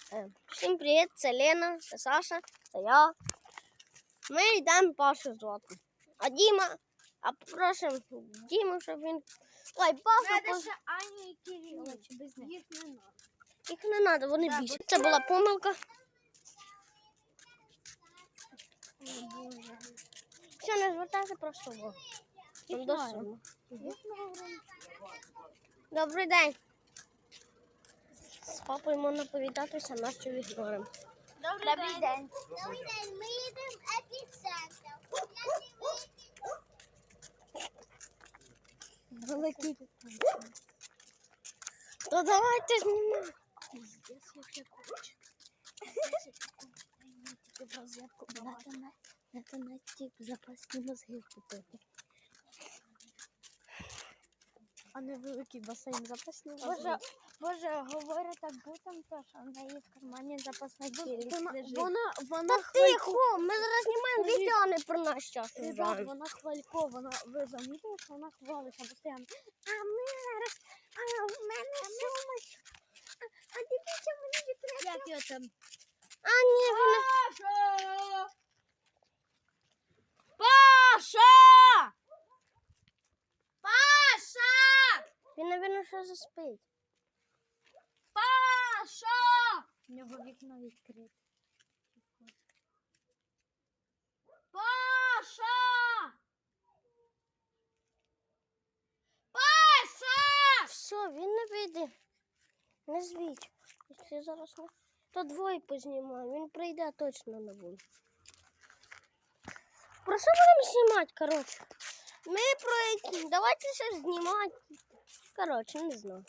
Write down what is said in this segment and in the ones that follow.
Всім привіт, це Лена, це Саша, це я. Ми йдемо Пашу звати. А Діма, просимо Діму, щоб він... Ой, Паша... Надо ще Аню і Кирилла, чи без них? Їх не надо. Їх не треба, вони більше. Це була помилка. О, Боже. Все, не звертайся, просто увагу. Їх До надо. суму. Їх надо. Добрий день. З папою можна повідатися, нас що ігноримо. Добрий день. Добрий день, ми їдемо в епіцентр. Великий. То давайте знімемо. Пиздец, як я хочу. Тільки в розетку Це на ті запасні мозги купити. А не великий басейн запасний. Боже, Боже, говорить так будто, що в неї в кармані запасна кількість лежить. Та тихо, ми зараз знімаємо відео, а не про наш час. Ребят, вона хвалько, ви замітили, що вона хвалиться постійно. А ми зараз, в мене сумочка. А дивіться, мені відкрити. Як його там? А ні, вона... Паша! Паша! Він, напевно, що заспить. Паша! У нього вікно відкрите. Паша! Паша! Все, він не вийде. Не звіть. Якщо зараз не... То двоє познімаю, він прийде точно не буде. Про що будемо знімати, коротше? Ми про які... Давайте щось знімати. Коротше, не знаю.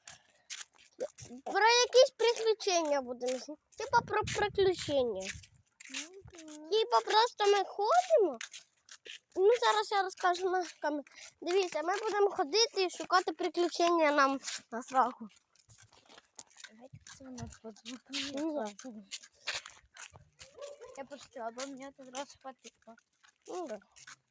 Про якісь приключення будемо знімати. Типа про приключення. Типа просто ми ходимо. Ну, зараз я розкажу на камері. Дивіться, ми будемо ходити і шукати приключення нам на страху. Це у нас подзвонила. Я пошутила, бо мені це зразу потекло. Ну, да.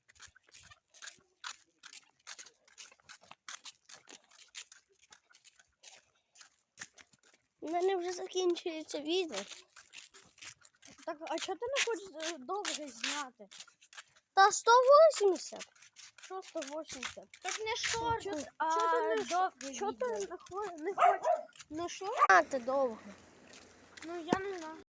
У мене вже закінчується відео. Так, а чого ти не хочеш довго зняти? Та 180. Що 180? Так не шорт, а чого ти не довго. Чого ти не хочеш? Не шукати довго. Ну я не знаю.